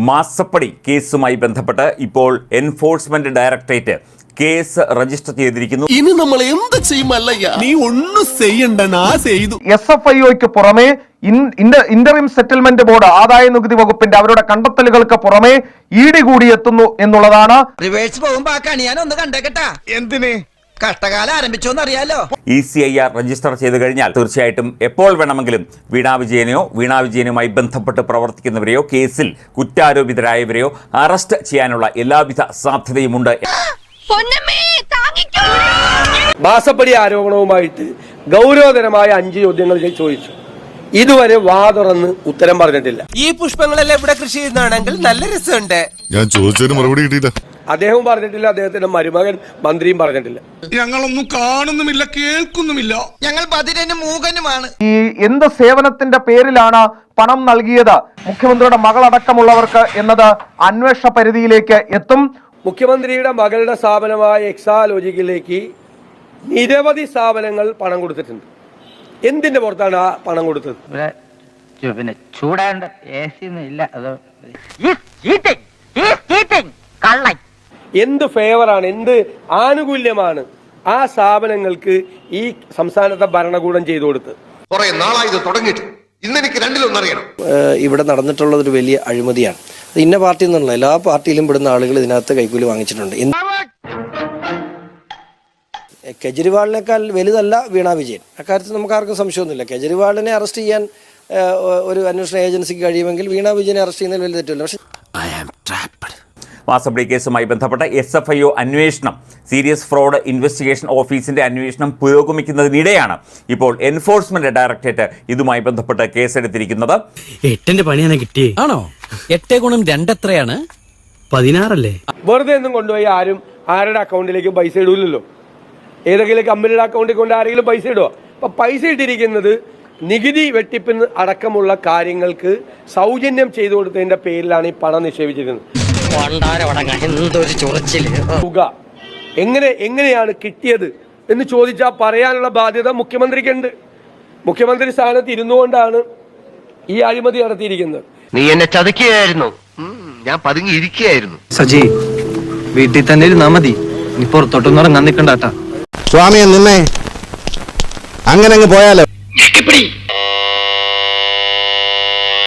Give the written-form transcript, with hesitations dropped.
മാസപ്പടി കേസുമായി ബന്ധപ്പെട്ട് ഇപ്പോൾ എൻഫോഴ്സ്മെന്റ് ഡയറക്ടറേറ്റ് കേസ് രജിസ്റ്റർ ചെയ്തിരിക്കുന്നു. ഇനി നമ്മൾ എന്ത് ചെയ്യുമല്ലയ്യ, നീ ഒന്നും ചെയ്യണ്ട, ചെയ്തു. SFIOയ്ക്ക് പുറമെ ഇന്ററിം സെറ്റിൽമെന്റ് ബോർഡ്, ആദായ നികുതി വകുപ്പിന്റെ അവരുടെ കണ്ടെത്തലുകൾക്ക് പുറമെ ED കൂടി എത്തുന്നു എന്നുള്ളതാണ്. റിവേഴ്സ് പോകുമ്പോ ആ കണി ഞാൻ ഒന്ന് കണ്ടേക്കട്ടാ. എന്തിനെ കഷ്ടകാലം ആരംഭിച്ചോന്ന് അറിയാലോ. ECIR രജിസ്റ്റർ ചെയ്ത് കഴിഞ്ഞാൽ തീർച്ചയായിട്ടും എപ്പോൾ വേണമെങ്കിലും വീണ വിജയനുമായി ബന്ധപ്പെട്ട് പ്രവർത്തിക്കുന്നവരെയോ കേസിൽ കുറ്റാരോപിതരായവരെയോ അറസ്റ്റ് ചെയ്യാനുള്ള എല്ലാവിധ സാധ്യതയുമുണ്ട്. മാസപ്പടി ആരോപണവുമായിട്ട് ഗൗരവതരമായ 5 ചോദ്യങ്ങൾ ചോദിച്ചു. ഇതുവരെ വാ തുറന്ന് ഉത്തരം പറഞ്ഞിട്ടില്ല. ഈ പുഷ്പങ്ങളെല്ലാം ഇവിടെ കൃഷി ചെയ്യുന്നതാണെങ്കിൽ നല്ല രസമുണ്ട്. ഞാൻ ചോദിച്ചതിന് മറുപടി കിട്ടിയില്ല. അദ്ദേഹവും പറഞ്ഞിട്ടില്ല, അദ്ദേഹത്തിന്റെ മരുമകൻ മന്ത്രിയും പറഞ്ഞിട്ടില്ല. ഞങ്ങളൊന്നും കാണുന്നുമില്ല, കേൾക്കുന്നുമില്ല. ഞങ്ങൾ ബധിരനും മൂകനുമാണ്. ഈ എന്ത് സേവനത്തിന്റെ പേരിലാണ് പണം നൽകിയത് മുഖ്യമന്ത്രിയുടെ മകളടക്കമുള്ളവർക്ക് എന്നത് അന്വേഷണ പരിധിയിലേക്ക് എത്തും. മുഖ്യമന്ത്രിയുടെ മകളുടെ സ്ഥാപനമായ എക്സാലോജിക്കിലേക്ക് നിരവധി സ്ഥാപനങ്ങൾ പണം കൊടുത്തിട്ടുണ്ട്. എന്തിന്റെ പുറത്താണ് ആ പണം കൊടുത്തത്? പിന്നെ ചൂടാണ്ട് എന്ത് ഫേവറാണ്, എന്ത് ആനുകൂല്യമാണ് ആ സ്ഥാപനങ്ങൾക്ക് ഈ സംസ്ഥാനത്തെ ഭരണകൂടം ചെയ്തു കൊടുത്തത്? കുറെ നാളായി ഇത് തുടങ്ങിയിട്ട് ഇന്നെനിക്ക് രണ്ടിലൊന്നറിയണം. ഇവിടെ നടന്നിട്ടുള്ളത് ഒരു വലിയ അഴിമതിയാണ്. ഇന്ന പാർട്ടി എന്നുള്ള എല്ലാ പാർട്ടിയിലും പെടുന്ന ആളുകൾ ഇതിനകത്ത് കൈക്കൂലി വാങ്ങിച്ചിട്ടുണ്ട്. കെജ്രിവാളിനേക്കാൾ വലുതല്ല വീണ വിജയൻ, അക്കാര്യത്തിൽ നമുക്ക് ആർക്കും സംശയമൊന്നുമില്ല. കെജ്രിവാളിനെ അറസ്റ്റ് ചെയ്യാൻ ഒരു അന്വേഷണ ഏജൻസിക്ക് കഴിയുമെങ്കിൽ വീണ വിജയനെ അറസ്റ്റ് ചെയ്യുന്നതിൽ വലിയ തെറ്റില്ല. പക്ഷേ മാസപ്പടി കേസുമായി ബന്ധപ്പെട്ട SFIO അന്വേഷണം, സീരിയസ് ഫ്രോഡ് ഇൻവെസ്റ്റിഗേഷൻ ഓഫീസിന്റെ അന്വേഷണം പുരോഗമിക്കുന്നതിനിടെയാണ് ഇപ്പോൾ എൻഫോഴ്സ്മെന്റ് ഡയറക്ടറേറ്റ് ഇതുമായി ബന്ധപ്പെട്ട് കേസെടുത്തിരിക്കുന്നത്. 8ന്റെ പണിയാണ് കിട്ടിയേ. ആണോ? 8 ഗുണം 2 എത്രയാണ്? 16 അല്ലേ? വെറുതെ ഒന്നും കൊണ്ടുപോയി ആരും ആരുടെ അക്കൗണ്ടിലേക്ക് പൈസ ഇടൂലല്ലോ. ഏതെങ്കിലും കമ്പനിയുടെ അക്കൗണ്ടിൽ കൊണ്ട് ആരെങ്കിലും പൈസ ഇടുക? അപ്പൊ പൈസ ഇട്ടിരിക്കുന്നത് നികുതി വെട്ടിപ്പിന് അടക്കമുള്ള കാര്യങ്ങൾക്ക് സൗജന്യം ചെയ്തു കൊടുത്തതിന്റെ പേരിലാണ് ഈ പണം നിക്ഷേപിച്ചിരുന്നത്. തുക എങ്ങനെയാണ് കിട്ടിയത് എന്ന് ചോദിച്ചാൽ പറയാനുള്ള ബാധ്യത മുഖ്യമന്ത്രിക്കുണ്ട്. മുഖ്യമന്ത്രി സ്ഥാനത്ത് ഇരുന്നുകൊണ്ടാണ് ഈ അഴിമതി നടത്തിയിരിക്കുന്നത്. നീ എന്നെ ചതിക്കുകയായിരുന്നു, ഞാൻ പതുങ്ങിയിരിക്കുകയായിരുന്നു. സജി, വീട്ടിൽ തന്നെ ഇരുന്നാ മതി, നീ പുറത്തോട്ടൊന്നും ഇറങ്ങാൻ നിൽക്കണ്ടാട്ടാ. സ്വാമിയെ നിന്നെ അങ്ങനെ അങ്ങ് പോയാലോ.